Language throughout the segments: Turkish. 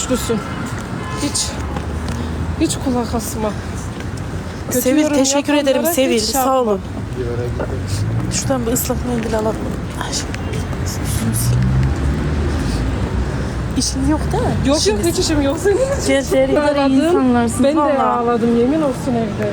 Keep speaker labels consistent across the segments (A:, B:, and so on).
A: güçlüsün. Hiç kulak asma. Kötü
B: Sevil
A: yorum
B: teşekkür ederim
A: yapanlara
B: Sevil.
A: hiç şey
B: Sağ olun.
A: yapma.
B: Şuradan bir ıslak mendil alalım. Ay, İşin yok değil mi?
A: Yok
B: İşiniz.
A: hiç işim yok senin için.
B: Cezeri kadar iyi
A: Ağladım.
B: insanlarsınız
A: Ben de
B: valla.
A: ağladım yemin olsun evde.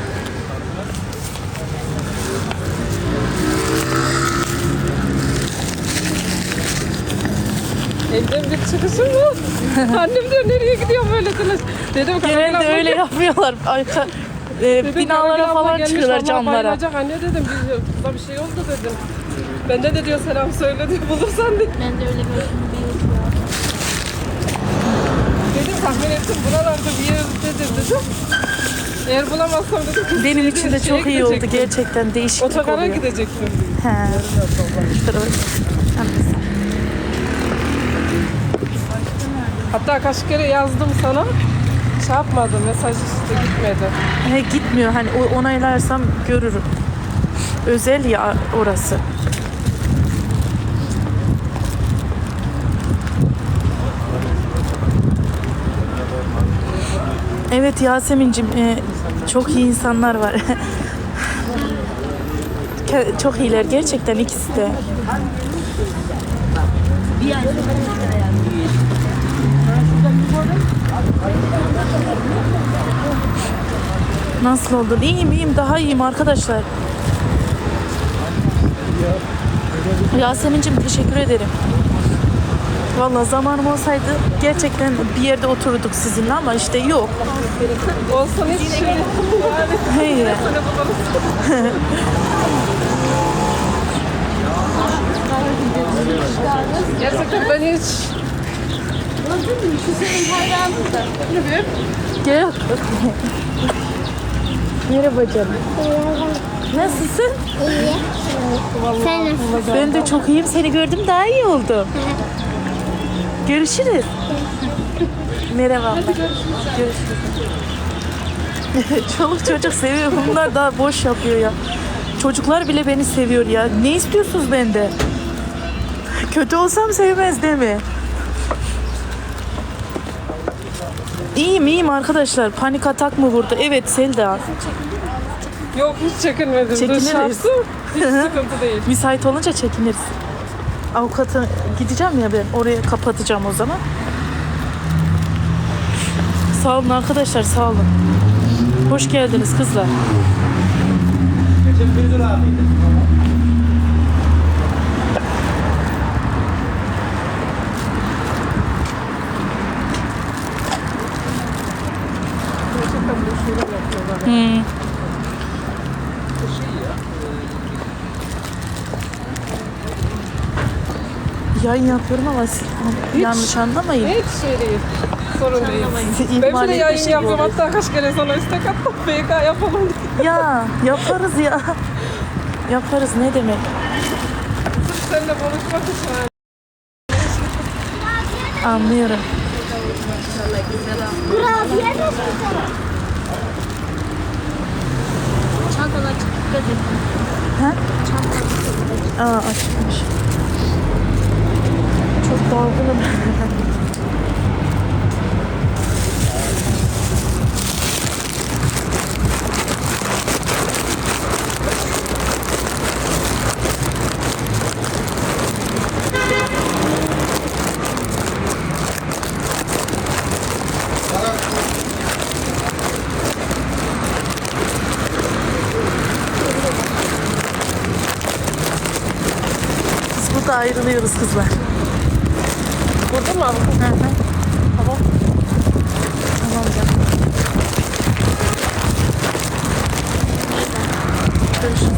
A: Evden bir çıkışım mı? Annem diyor nereye gidiyor böyle telaş. Dedim
B: Genelde öyle yapmıyorlar. Binalara falan çıkıyorlar, camlara.
A: Bayılacak anne dedim. Kıza bir şey oldu dedim. Bende de diyor selam söyle diyor bulursan diye.
C: Ben de öyle gördüm bir yıl ya.
A: Dedim tahmin ettim buralarda bir yerdedir dedim. Eğer bulamazsam dedim.
B: Benim için de çok iyi oldu gerçekten, değişiklik
A: Otogara
B: oluyor.
A: gidecektim.
B: He.
A: Hatta kaç kere yazdım sana. Şey yapmadı, mesaj işte gitmedi.
B: He, gitmiyor, hani onaylarsam görürüm. Özel ya orası. Evet Yasemin'cim, çok iyi insanlar var. Çok iyiler gerçekten ikisi de. Nasıl oldun? İyiyim, daha iyiyim arkadaşlar. Yasemin'cim teşekkür ederim. Vallahi zamanım olsaydı gerçekten bir yerde otururduk sizinle ama işte yok.
A: Olsun hiç şey.
B: Hayır.
A: Gerçekten ben hiç...
B: Gel. Merhaba canım. Nasılsın?
C: İyi. Sen nasılsın?
B: Ben de çok iyiyim. Seni gördüm daha iyi oldu. Görüşürüz. Merhaba abla. Görüşürüz. Çoluk çocuk seviyor. Bunlar daha boş yapıyor ya. Çocuklar bile beni seviyor ya. Ne istiyorsunuz benden? Kötü olsam sevmez değil mi? İyiyim arkadaşlar. Panik atak mı vurdu? Evet Selda.
A: Yok hiç çekinmedim.
B: Çekiniriz.
A: Hiç sıkıntı değil.
B: Müsait olunca çekiniriz. Avukata gideceğim ya ben. Oraya kapatacağım o zaman. Sağ olun arkadaşlar, sağ olun. Hoş geldiniz kızlar.
A: Gerçekten bu şeyler yapıyorlar.
B: Yayın yapıyorum ama siz yanlış anlamayın.
A: Hiç şey değil. Sorun değil.
B: Sizi
A: Ben
B: ihmal
A: bile yayın
B: etmiş gibi
A: yapıyorum.
B: oluyor.
A: Hatta kaç kere sana istek attım. BK yapalım diye.
B: Ya yaparız ya. Yaparız ne demek.
A: Sırf seninle konuşmak için.
B: Anlıyorum.
C: Kurabiye mi sen? Çantalar çıktı.
B: Ha? Aa açmış. Çok dalgınım. Biz burada ayrılıyoruz kızlar.
A: Burada mı abi?
B: Hı hı.
A: Tamam.
B: Tamam canım. Görüşürüz.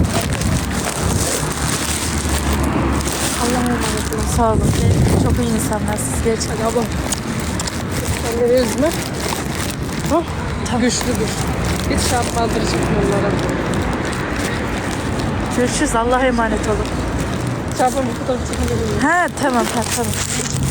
B: Allah'a emanet olun. Sağ olun. Çok iyi insanlar siz gerçekten.
A: Hadi abla. Kendini üzme. Hah. Güçlüdür. Hiç şey yapmaldıracak onlara.
B: Görüşürüz. Allah'a emanet olun.
A: Çarpın bu fotoğrafı çekelim.
B: Ha tamam.